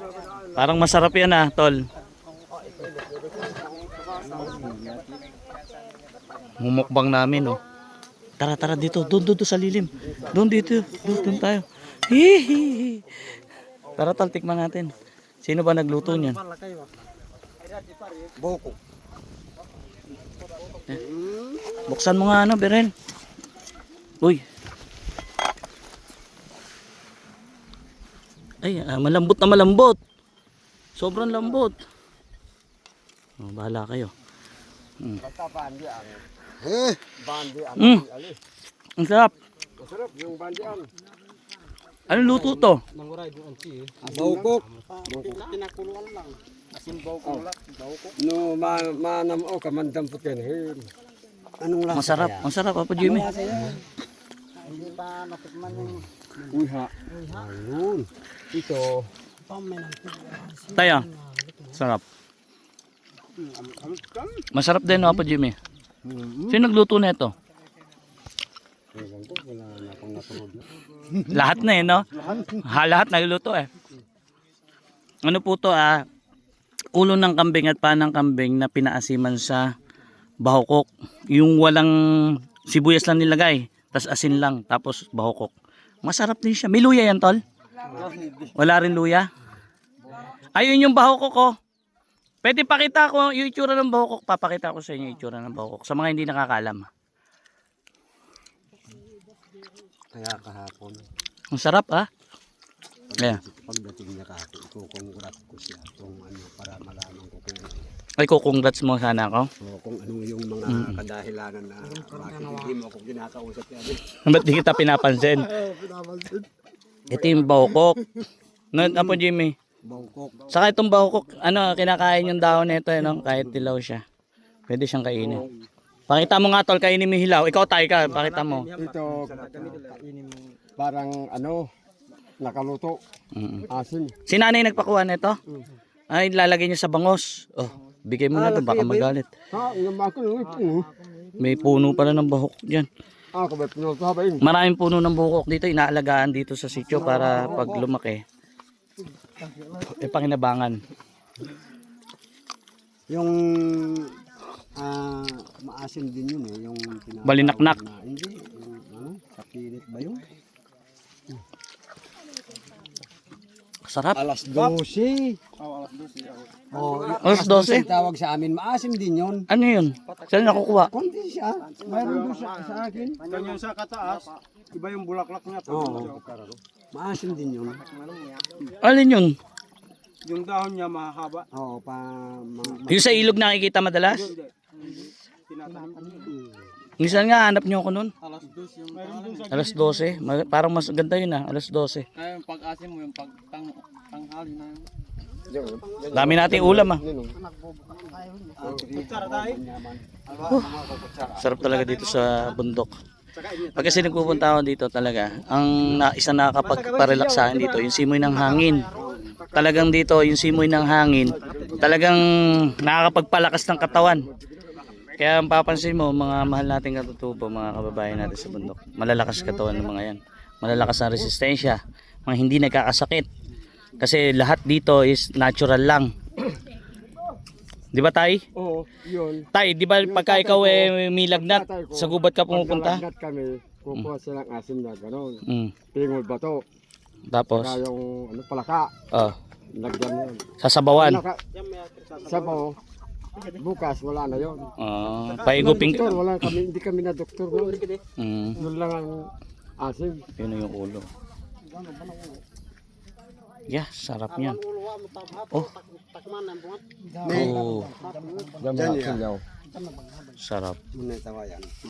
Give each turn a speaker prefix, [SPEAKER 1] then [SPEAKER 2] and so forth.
[SPEAKER 1] Parang masarap yan ah, tol. Mumukbang namin oh. Tara tara dito, doon sa lilim. Doon dito, doon tayo. Hihihi. Tara tol, tikman natin. Sino ba nagluto niyan?
[SPEAKER 2] Boko.
[SPEAKER 1] Buksan mo nga ano, Beren. Uy. Ay, malambot na malambot. Sobrang lambot. Oh, bahala kayo. Ang sarap.
[SPEAKER 2] Masarap yung bandian.
[SPEAKER 1] Anong luto to?
[SPEAKER 2] Bawkok. Tinakuluan lang. Asin bawkok lang. No, manam o kamandam putin. Anong lasa?
[SPEAKER 1] Masarap. Ang sarap, Papa Jimmy.
[SPEAKER 2] Hindi pa natikman yung uha. Ayun. Ito.
[SPEAKER 1] Tayo. Sarap. Masarap din, Papa Jimmy. Sino nagluto na ito? Lahat na eh, no? Lahat nagluto eh. Ano po to ulo ng kambing at paa ng kambing na pinaasiman sa bahukok. Yung walang sibuyas lang nilagay, tas asin lang, tapos bahukok. Masarap din siya. May luya yan, tol? Wala rin luya? Ayun yung bahukok ko. Pwede pakita ko yung itsura ng bahukok. Papakita ko sa inyo yung itsura ng bahukok. Sa mga hindi nakakaalam.
[SPEAKER 2] Kaya kahapon.
[SPEAKER 1] Ang sarap Yeah.
[SPEAKER 2] Pagdating niya kahapon, ikukongrats ko siya kung ano para malaman ko kung
[SPEAKER 1] Ay, congrats mo sana ako.
[SPEAKER 2] kung ano yung mga kadahilanan na bakit hindi mo ako kinakausap yan.
[SPEAKER 1] Ba't di kita pinapansin? Ito yung bahukok. No, Apo Jimmy.
[SPEAKER 2] Bangkok.
[SPEAKER 1] Saka itong bahukok, kinakain yung dahon nito, kahit dilaw siya. Pwede siyang kainin. Pakita mo nga tol, kainin mo yung hilaw. Ikaw tayo ka, pakita mo.
[SPEAKER 2] Ito parang nakaluto. Asin.
[SPEAKER 1] Si nanay nagpakuha nito? Ay, lalagay niya sa bangos. Oh, bigay mo na to, baka magalit. May puno pala ng bahukok dyan. Maraming puno ng bahukok dito, inaalagaan dito sa sitio para pag lumaki. Panginabangan.
[SPEAKER 2] Yung maasim din yun yung
[SPEAKER 1] Balinaknak.
[SPEAKER 2] Hindi, kapilit ba yun?
[SPEAKER 1] Sarap.
[SPEAKER 2] Alas 12.
[SPEAKER 1] Alas 12?
[SPEAKER 2] Tawag sa amin, maasim din yun.
[SPEAKER 1] Ano yun? Saan nakukuha?
[SPEAKER 2] Kundi siya. Mayroon doon sa akin.
[SPEAKER 3] Ganyan sa kataas, iba yung bulaklak niya.
[SPEAKER 2] Maasim din yun.
[SPEAKER 1] Alin yun?
[SPEAKER 3] Yung dahon niya mahaba.
[SPEAKER 2] Oo,
[SPEAKER 1] Yung sa ilog nakikita madalas? Minsan nga hanap niyo ako nun.
[SPEAKER 3] Alas 2 yung tanghali.
[SPEAKER 1] Alas 12. Parang mas ganda yun alas 12.
[SPEAKER 3] Kaya yung pag-asim mo, yung pagtanghali na yun.
[SPEAKER 1] Dami nating ulam Sarap talaga dito sa bundok. Pag kasi nagpupunta ako dito talaga, ang isa nakakapagparelax sa akin dito, yung simoy ng hangin. Talagang dito, yung simoy ng hangin, talagang nakakapagpalakas ng katawan. Kaya ang papansin mo, mga mahal nating katutubo, mga kababayan natin sa bundok, malalakas katawan ng mga yan. Malalakas ang resistensya, mga hindi nagkakasakit. Kasi lahat dito is natural lang. Di ba tay?
[SPEAKER 2] Oo, yun.
[SPEAKER 1] Tay, di ba pagka ikaw may lagnat, sa gubat ka pumupunta?
[SPEAKER 2] Pag kami, kukuha silang asim na gano'n. Pingol bato.
[SPEAKER 1] Tapos?
[SPEAKER 2] Saka yung palaka. Lagyan yun.
[SPEAKER 1] Sasabawan?
[SPEAKER 2] Sabaw. Bukas, wala na yun.
[SPEAKER 1] Paigupin
[SPEAKER 2] ka? Hindi kami na doktor. Yun lang ang asim.
[SPEAKER 1] Yun yung ulo. Yeah, sarap niyan. Oh. Sarap.
[SPEAKER 2] Muna tawa yan.